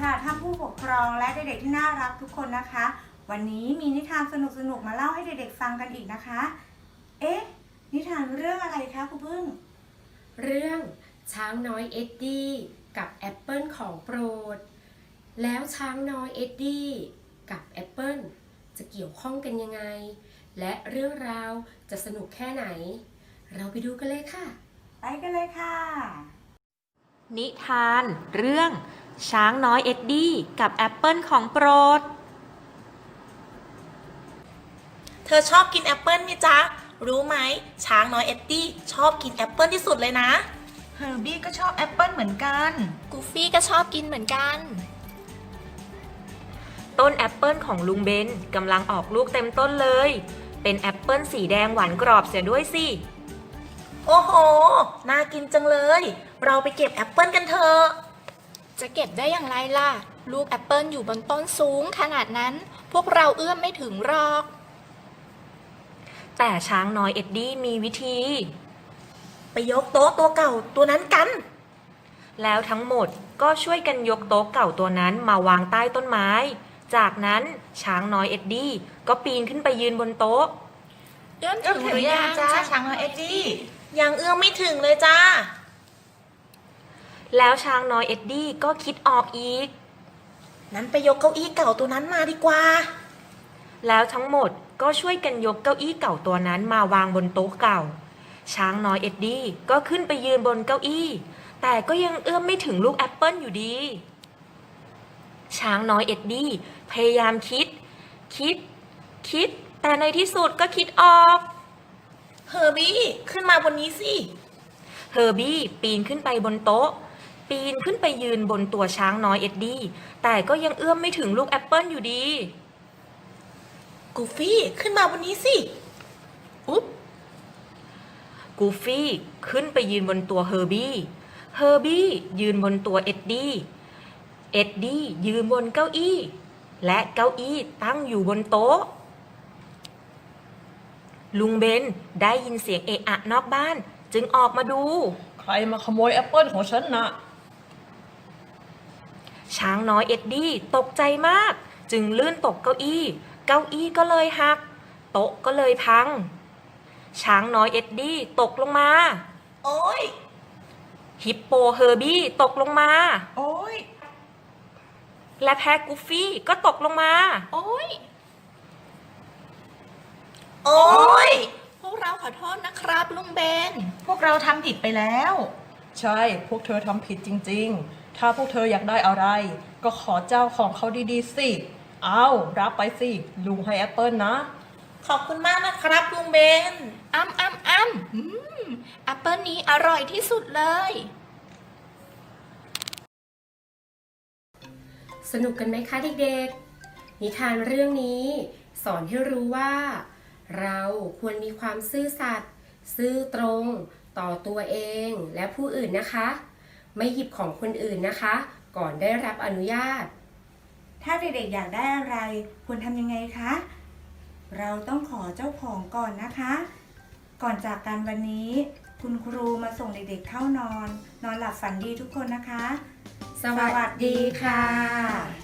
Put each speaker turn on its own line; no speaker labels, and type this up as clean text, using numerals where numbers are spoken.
ค่ะท่านผู้ปกครองและเด็กๆที่น่ารักทุกคนนะคะ วันนี้มีนิทานสนุกๆมาเล่าให้เด็กๆฟังกันอีกนะคะนิทานเรื่องอะไรคะครูพึ่ง
เรื่องช้างน้อยเอ็ดดี้กับแอปเปิลของโปรดแล้วช้างน้อยเอ็ดดี้กับแอปเปิลจะเกี่ยวข้องกันยังไงและเรื่องราวจะสนุกแค่ไหนเราไปดูกันเลยค่ะ
ไปกันเลยค่ะ
นิทานเรื่องช้างน้อยเอ็ดดี้กับแอปเปิลของโปรด
เธอชอบกินแอปเปิลไหมจ๊ะรู้ไหมช้างน้อยเอ็ดดี้ชอบกินแอปเปิลที่สุดเลยนะ
เฮอร์บี้ก็ชอบแอปเปิลเหมือนกัน
กูฟี่ก็ชอบกินเหมือนกัน
ต้นแอปเปิลของลุงเบนกำลังออกลูกเต็มต้นเลยเป็นแอปเปิลสีแดงหวานกรอบเสียด้วยสิ
โอ้โหน่ากินจังเลยเราไปเก็บแอปเปิลกันเถอะ
จะเก็บได้อย่างไรล่ะลูกแอปเปิลอยู่บนต้นสูงขนาดนั้นพวกเราเอื้อมไม่ถึงหรอก
แต่ช้างน้อยเอ็ดดี้มีวิธี
ไปยกโต๊ะตัวเก่าตัวนั้นกัน
แล้วทั้งหมดก็ช่วยกันยกโต๊ะเก่าตัวนั้นมาวางใต้ต้นไม้จากนั้นช้างน้อยเอ็ดดี้ก็ปีนขึ้นไปยืนบนโต๊ะ
เอื้อมถึงหรือยัง
จ้าช้างน้อยเอ็ดดี้
ยังเอื้อมไม่ถึงเลยจ้า
แล้วช้างน้อยเอ็ดดี้ก็คิดออกอีก
นั้นไปยกเก้าอี้เก่าตัวนั้นมาดีกว่า
แล้วทั้งหมดก็ช่วยกันยกเก้าอี้เก่าตัวนั้นมาวางบนโต๊ะเก่าช้างน้อยเอ็ดดี้ก็ขึ้นไปยืนบนเก้าอี้แต่ก็ยังเอื้อมไม่ถึงลูกแอปเปิลอยู่ดีช้างน้อยเอ็ดดี้พยายามคิดแต่ในที่สุดก็คิดออก
เฮอร์บี้ขึ้นมาบนนี้สิ
เฮอร์บี้ปีนขึ้นไปบนโต๊ะปีนขึ้นไปยืนบนตัวช้างน้อยเอ็ดดี้แต่ก็ยังเอื้อมไม่ถึงลูกแอปเปิลอยู่ดี
กูฟี่ขึ้นมาบนนี้สิอุ๊บ
กูฟี่ขึ้นไปยืนบนตัวเฮอร์บี้ยืนบนตัวเอ็ดดี้ยืนบนเก้าอี้และเก้าอี้ตั้งอยู่บนโต๊ะลุงเบนได้ยินเสียงเอะอะนอกบ้านจึงออกมาดู
ใครมาขโมยแอปเปิลของฉันนะ
ช้างน้อยเอ็ดดี้ตกใจมากจึงลื่นตกเก้าอี้ก็เลยหักโต๊ะก็เลยพังช้างน้อยเอ็ดดี้ตกลงมา
โอ๊ย
ฮิปโปเฮอร์บี้ตกลงมา
โอ๊ย
และแพะกูฟี่ก็ตกลงมา
โอ๊ยพวกเราขอโทษนะครับลุงเบน
พวกเราทำผิดไปแล้วใช่พวกเธอทำผิดจริงๆถ้าพวกเธออยากได้อะไรก็ขอเจ้าของเขาดีๆสิเอารับไปสิลุงให้แอปเปิลนะ
ขอบคุณมากนะครับลุงเบน
แอปเปิลนี้อร่อยที่สุดเลย
สนุกกันไหมคะเด็กๆนิทานเรื่องนี้สอนให้รู้ว่าเราควรมีความซื่อสัตย์ซื่อตรงต่อตัวเองและผู้อื่นนะคะไม่หยิบของคนอื่นนะคะก่อนได้รับอนุญาต
ถ้าเด็กๆอยากได้อะไรควรทำยังไงคะเราต้องขอเจ้าของก่อนนะคะก่อนจากกันวันนี้คุณครูมาส่งเด็กๆเข้านอนหลับฝันดีทุกคนนะคะ
สวัสดีค่ะ